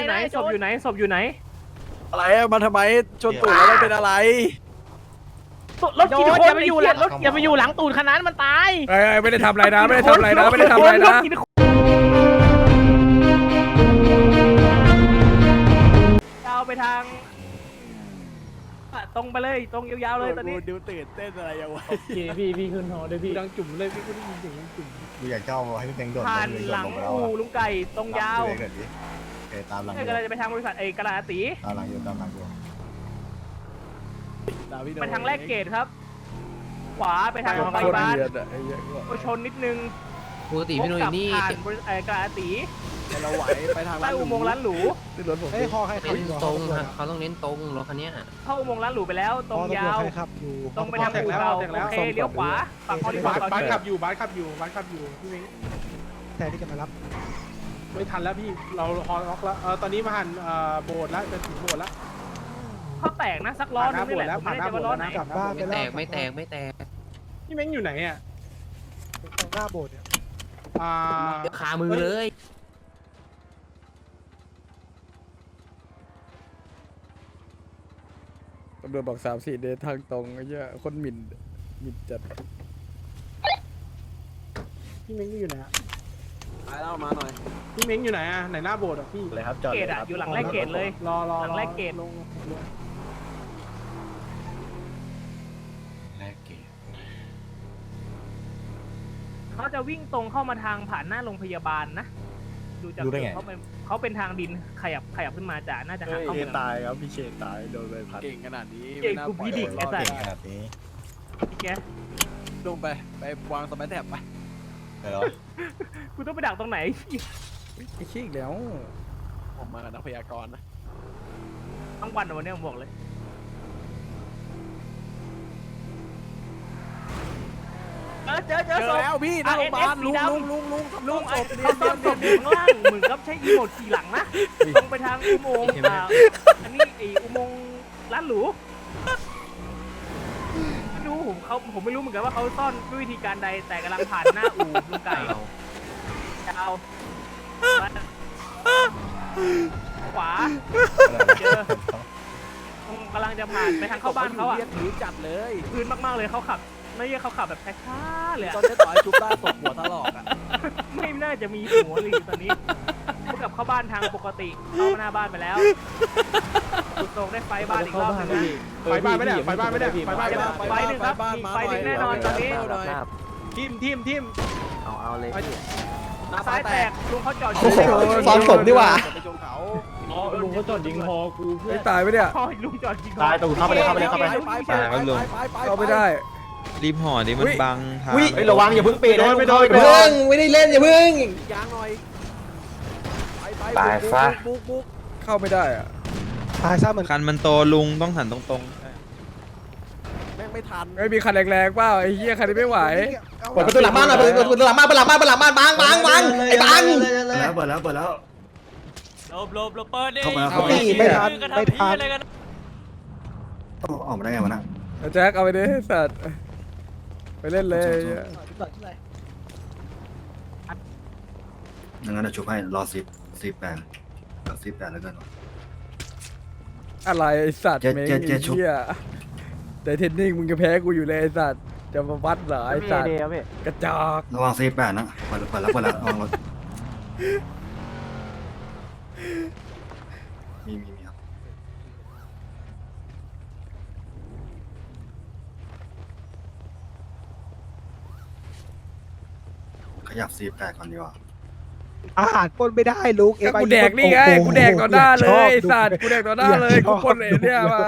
อยู่ไหนศพอยู่ไหนศพอยู่ไหนอะไรมาทำไมชนตูดแล้วมันเป็นอะไรรถกี่คนอย่าไปอยู่หลังรถอย่าไปอยู่หลังตูดขนาดมันตายไม่ได้ทำอะไรนะไม่ได้ทำอะไรนะไม่ได้ทำอะไรนะยาวไปทางตรงไปเลยตรงยาวๆเลยตอนนี้ดูตื่นเต้นอะไรอย่างวะพี่ขึ้นหอด้วยพี่ดังจุ่มเลยพี่กูได้ยินเสียงจุ่มกูอยากเข้าให้พี่แบงค์โดดผ่านหลังอู่ลุงไก่ตรงยาวเกิดดิโอเคตามหลังนี่กำลังจะไปทางบริษัทกระดาษตีตามหลังอยู่ตามหลังอยู่ไปทางแรกเกตครับ ขวาไปทางโรงพโคตรยาบาลเดือดอะไอ้เหี้ยก็ชนนิดนึงปกติพี่หนุ่ยนี่ผ่านบริษัทกระดาษตีเราไหวไปทางใต้อุโมงค์ร้านหรูนี่รถผมเฮ้ยคอใครขับเน้นตรงฮะเขาต้องเน้นตรงรถคันเนี้ยเข้าอุโมงค์ร้านหรูไปแล้วตรงยาวใครขับอยู่ตรงไปทางอู่เราโอเคเลี้ยวขวาฝั่งคอริดอร์บ้านขับอยู่บ้านขับอยู่บ้านขับอยู่พี่เม้งแต่ที่จะมารับไม่ทันแล้วพี่เราฮอล็อกแล้วตอนนี้มาหันโบสถ์แล้วจะถึงโบสถ์แล้วเขาแตกนะสักล้อนึงนี่แหละผมไม่แน่ใจว่าล้อไหนกลับบ้านไปไม่แล้แตวกไม่แตกไม่แตกพี่เม้งอยู่ไหนอ่ะตรงหน้าโบสถ์เนี่ยคามือเลยตำรวจบอก3-4 เดททางตรงไอ้เหี้ยคนหมิ่นจัดพี่เม้งอยู่ไหนอ่ะไปแล้วมาหน่อยพี่เม้งอยู่ไหนอ่ะไหนหน้าโบสถ์อ่ะพี่เลยครับจอดเกตอะอยู่หลังแรกเกตเลยรอหลังแรกเกตลงแรกเกตเขาจะวิ่งตรงเข้ามาทางผ่านหน้าโรงพยาบาลนะดูจากเขาเป็นทางดินขยับขึ้นมาจากน่าจะหาเข้าเชเมืนองตายครับพี่เชนตายโดนใบพัดเก่งขนาดนี้เก่งกูพี่ดิกไอ้สัตเก่งว์ขนาดนี้แกลงไปวางสมัยแถบไปเดี๋ยวกูต้องไปดักตรงไหนไอ้ขี้อีกแล้วผมมากับนักพยากรณ์นะทั้งวันวันนี้ผมบอกเลยเจอเจอศพแล้วพี่หน้าโรงพยาบาลลุงลุงศพเขาซ่อนศพอยู่ข้างล่างเหมือนกับใช้อีโมดขี่หลังนะตรงไปทางอุโมงค์อันนี้ไออุโมงค์ร้านหรูไม่รู้ผมไม่รู้เหมือนกันว่าเขาซ่อนด้วยวิธีการใดแต่กำลังผ่านหน้าอู่ลุงไก่เอาขวาเจอกำลังจะผ่านไปทางเข้าบ้านเขาอ่ะถือจัดเลยพื้นมากๆเลยเขาขับ ไม่ใช่เขาขับแบบช้าๆเลยตอนอะนี้ต่อยจุ๊บได้ตกหัวทะลอกอ่ะไม่น่าจะมีหัวเลยตอนนี้เขากลับเข้าบ้านทางปกติเข้าหน้าบ้านไปแล้วสุดตรงได้ไฟบ้านอีกรอบนึงนะไฟบ้านไม่ได้ไฟบ้านไม่ได้ไฟบ้านไม่ได้ไฟหนึ่งครับมีไฟหนึ่งแน่นอนตอนนี้ทิมเอาเลยซ้ายแตกลุงเขาจอดซ้อมศพดีกว่าไปชนเขาอ๋อลุงเขาจอดยิงฮอกูเพื่อไม่ตายไหมเนี่ยพอลุงจอดจริงตายตูเข้าไปเลยเข้าไปเลยเข้าไปเข้าไม่ได้รีบห่อดิมันบังทางเฮ้ยระวังอย่าเพิ่งปีนนะไม่โดนเพิ่งไม่ได้เล่นอย่าเพิ่งยางหน่อยตายซะบุกเข้าไม่ได้อะตายซะเหมือนคันมันโตลุงต้องหันตรงแม่งไม่ทันไม่มีคันแรงๆเปล่าไอ้เหี้ยคันนี้ไม่ไหวเปิดประตูหลังบ้านหน่อยเปิดประตูหลังบ้านบังไอ้ตังแล้วเปิดแล้วลบเปิดดิเอาไอ้นี่เหี้ยไม่ทันไม่ทันออกมาได้ไงวะน่ะเอาแจ็คเอาไปดิสัตว์ไปเล่นเลยงั้นเดี๋ยวชุบให้รอ10 8แล้วกันอะไรไอ้สัตว์เจ๊เมงเจ๊ไอ้เจ๊ชุบเหี้ยแต่เทนนิ่งมึงจะแพ้กูอยู่เลยไอ้สัตว์จะมาวัดเหรอไอ้สัตว์กระจอกระวัง48นะเปิดแล้วระวังรถมีครับขยับ48ก่อนดีกว่าอาหารปนไม่ได้ลูกก็กูแดกนี่ไงกูแดกต่อหน้าเลยไอ้สัตว์กูแดกต่อหน้าเลยกูปนเลยเนี่ยมา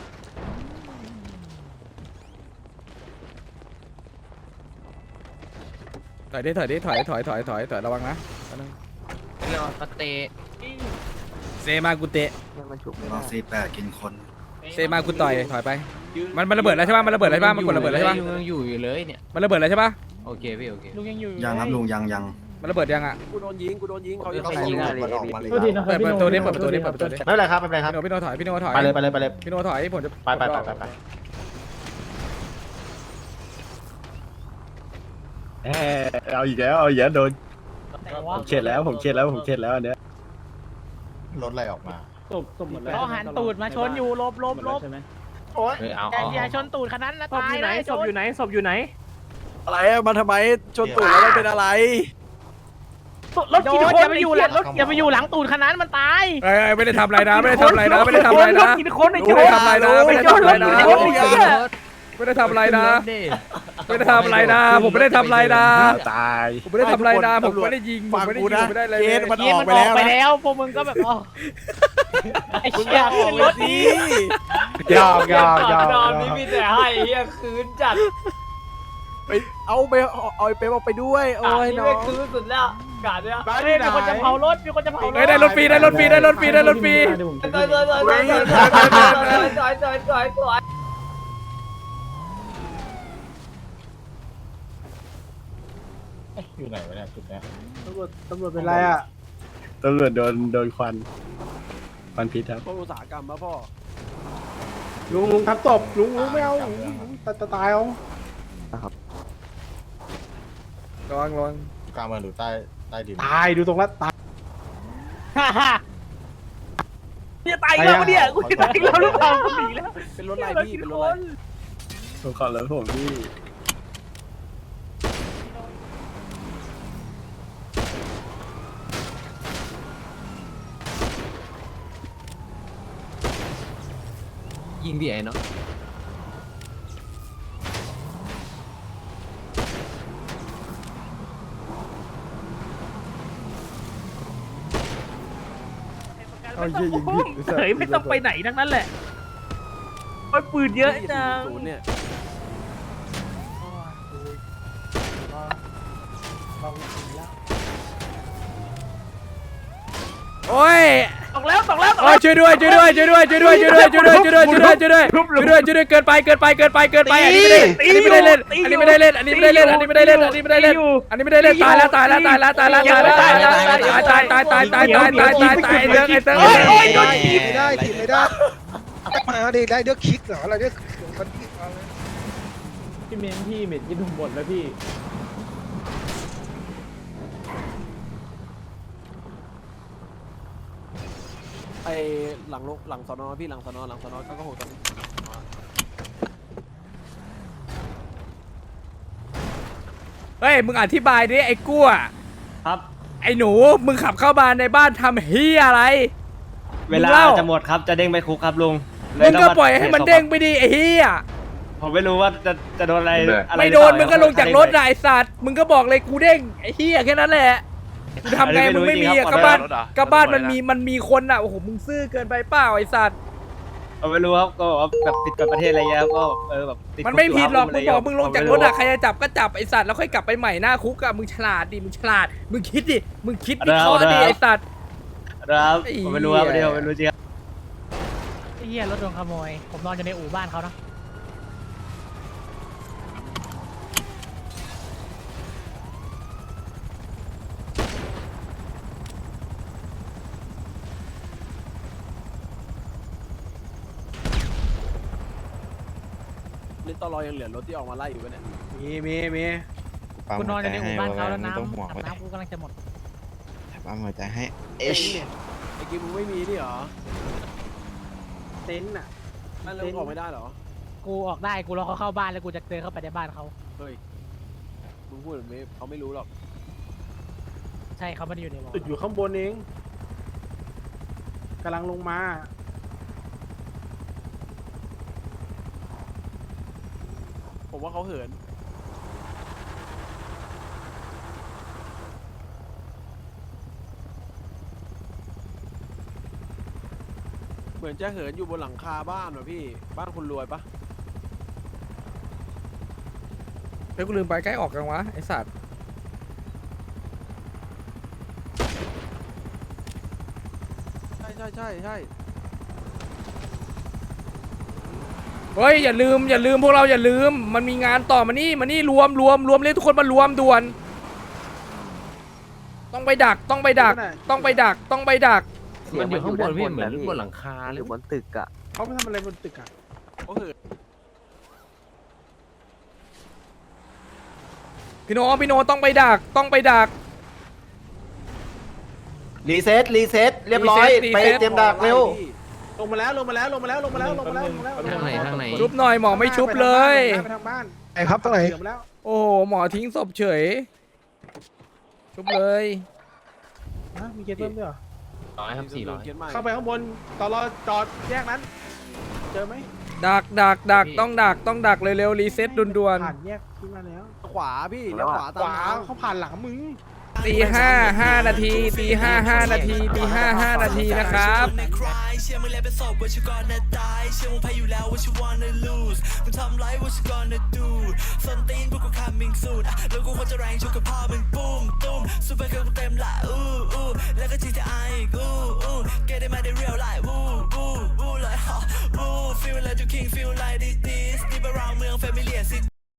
ถอยดิถอยระวังนะเรียกว่าสเตย์เซมากูเตะรอ48กินคนเซมากูต่อยถอยไปมันระเบิดแล้วใช่ป่ะมันระเบิดแล้วใช่ป่ะมันกดระเบิดแล้วใช่ป่ะยังอยู่เลยเนี่ยมันระเบิดแล้วใช่ป่ะโอเคพี่โอเคลุงยังอยู่ยังครับลุงยังมันระเบิดยังอ่ะกูโดนยิงเขาใครยิงอะไรมันออกมาเลยเปิดประตูดิเปิดประตูดิไม่เป็นไรครับไม่เป็นไรครับพี่โนถอยพี่โนถอยไปเลยพี่โนถอยผมจะไปเอาอีกแล้วโดนผมเช็ดแล้วอันเนี้ยรถอะไรออกมาตบหมดแล้วเขาหันตูดมาชนอยู่ลบใช่ไหมเฮ้ยเอาอย่าชนตูดขนาดนั้นนะศพอยู่ไหนศพอยู่ไหนศพอยู่ไหนอะไรอะมาทำไมชนตูดแล้วมันเป็นอะไรรถกี่คนอย่าไปอยู่หลังรถอย่าไปอยู่หลังตูดขนาดนั้นมันตายเอ้ยไม่ได้ทำอะไรนะไม่ได้ทำอะไรนะไม่ได้ทำอะไรรนะถกี่คนไอ้โจไม่ได้ทำอะไรนะไม่ได้ทำอะไรนะรถกี่คนไม่ได้ทำอะไรนะไม่ได้ทำอะไรนะผมไม่ได้ทำอะไรนะตายผมไม่ได้ทำอะไรนะผมไม่ได้ยิงผมฟังไม่ได้กูยิงนะผมไม่ได้อะไรเคเลสยมันอนี่อกมันไปออกแล้วไปนะแล้วพวกมึงก็แบบอ๋อไอ้เชี่ยขึ้นรถดียอมนี่มีแต่ให้เฮียคืนจัดไปเอาไปเอาไอ้เป๊ปออกไปด้วยโอ้ยน้องคืนสุดแล้วกาดเนี่ยบ้านเฮ้ยที่ไหนมีคนจะเผารถมีคนจะเผารถเฮ้ยได้รถฟรีได้รถฟรีได้รถฟรีได้รถฟรีอยู่ไหนวะเนี่ยจุดเนี้ยตำรวจเป็นไรอ่ะตำรวจโดนควันพิษครับพวกอุตสาหกรรมมาพ่อลุงทับตบลุงไม่เอาตายเอาระวังระวังกลางเมืองหรือใต้ดินตายดูตรงแล้วตายฮ่าฮ่าเนี่ยตายอีกแล้วเนี่ยกูจะตายอีกแล้วหรือเปล่ากูหนีแล้วเป็นรถอะไรพี่เป็นรถอะไรผมขอรถผมพี่ยิงดิไอ้เนาะเอาเยี่ยยิงผิดไอ้สัตว์เฮ้ยไม่ต้องไปไหนทั้งนั้นแหละโอ้ยปืนเยอะจังศูนย์เนี่ยโอ้ยตกแล้วตกแล้วตกโอ้แล้ยว ช่วยด้วยช่วยด้วยช่วยด้วยช่วยด้วยช่วยด้วยช่วยด้วยช่วยด้วยช่วยด้วยช่วยด้วยช่วยด้วยช่วยด้วยเกินไปเกินไปเกินไปเกินไปอันนี้ไม่ได้เล่นอันนี้ไม่ได้เล่นอันนี้ไม่ได้เล่นอันนี้ไม่ได้เล่นอันนี้ไม่ได้เล่นอันนี้ไม่ได้เล่นตายแล้วตายแล้วตายแล้วตายแล้วตายแล้วตายแล้วตายตายตายตายตายตายตายตายตายเรื่องไอ้เติ้งไม่ได้ถีบไม่ได้มาดิได้เลือกคิกเหรออะไรเนี่ยมันพี่เมนพี่เม็ดกินหมดแล้วพี่ไอหลังสอนอพี่หลังสอนอก็หกตอนนี้เฮ้ยมึงอธิบายดิไอ้กั้วครับไอ้หนูมึงขับเข้ามาในบ้านทำเฮียอะไรเวลาจะหมดครับจะเด้งไปคุกครับลุงมึงก็ปล่อยให้มันเด้งไปดิไอ้เฮียผมไม่รู้ว่าจะโดนอะไรไม่โดนมึงก็ลงจากรถนะไอ้สัตว์มึงก็บอกเลยกูเด้งไอ้เฮียแค่นั้นแหละมึงทำไงมึงไม่มีอะก็บ้านมันมีคนอ่ะโอ้โหมึงซื่อเกินไปเปล่าไอ้สัตว์ผมไม่รู้ครับก็บอกว่าแบบติดกฎประเทศอะไรเงี้ยก็แบบติดมันไม่ผิดหรอกมึงบอกมึงลงจากรถอะใครจะจับก็จับไอ้สัตว์แล้วค่อยกลับไปใหม่หน้าคุกอะมึงฉลาดดิมึงฉลาดมึงคิดดิมึงคิดวิเคราะห์ดิไอ้สัตว์ครับผมไม่รู้ครับเดี๋ยวไม่รู้จริงไอ้เหี้ยรถโดนขโมยผมนอนอยู่ในอู่บ้านเขานะลิตรอยังเหลือรถที่ออกมาไล่อยู่ปะเนี่ยมีกูนอนอยู่ในอู่บ้านเขาแล้วน้ำต้องห่วงอาบน้ำกูกำลังจะหมดปั๊มหัวใจให้ไอ้กิมมึงไม่มีนี่เหรอเต็นท์อ่ะนั่นเราออกไม่ได้เหรอกูออกได้กูรอเขาเข้าบ้านแล้วกูจะเดินเข้าไปในบ้านเขาเฮ้ยมึงพูดแบบนี้เขาไม่รู้หรอกใช่เขาไม่ได้อยู่ในวอลติดอยู่ข้างบนเองกำลังลงมาผมว่าเขาเหินเหมือนจะเหินอยู่บนหลังคาบ้านว่ะพี่บ้านคนรวยปะเฮ้ยกูลืมไปใกล้ออกกันวะไอ้สัตว์ใช่เฮ้ยอย่าลืมพวกเราอย่าลืมมันมีงานต่อมานี่รวมเรียกทุกคนมารวมด่วนต้องไปดักมันอยู่ข้างบนพี่เหมือนบนหลังคาเลยบนตึกอ่ะเขาไปทำอะไรบนตึกอ่ะเขาเหินพี่โนต้องไปดักรีเซ็ตเรียบร้อยไปเตรียมดักเร็วลงมาแล้วทางไหนชุบหน่อยหมอไม่ชุบเลยไปทางบ้านไอ้ครับตรงไหนเดี๋ยวมาแล้วโอ้โหหมอทิ้งศพเฉย ชุบเลยมีเกตเพิ่มด้วยเหรอ 100ครับ400 เข้าไปข้างบนตอนรอจอดแยกนั้น เจอไหมดักต้องดักเร็วๆรีเซ็ตด่วนผ่านแยกขึ้นมาแล้วขวาพี่เลี้ยวขวาขตามวาน้ำเขาผ่านหลังมึงๆตี5 นาทีตี5 นาทีตี5 นาทีนะครับเชื่อมึงแล้วเป็นศพว่าฉันก่อนนะตายเชื่อมึงแพ้อยู่แล้วว่าฉัน wanna lose มึงทำไรว่าฉัน gonna do ส้นตีนพวกกู coming soon แล้วกูควรจะแรงชุกกับพ่อมึงปุ้มตุ้มซูเปอร์เกิร์ลกูเต็มละอู้แล้วก็ GTI อีกอู้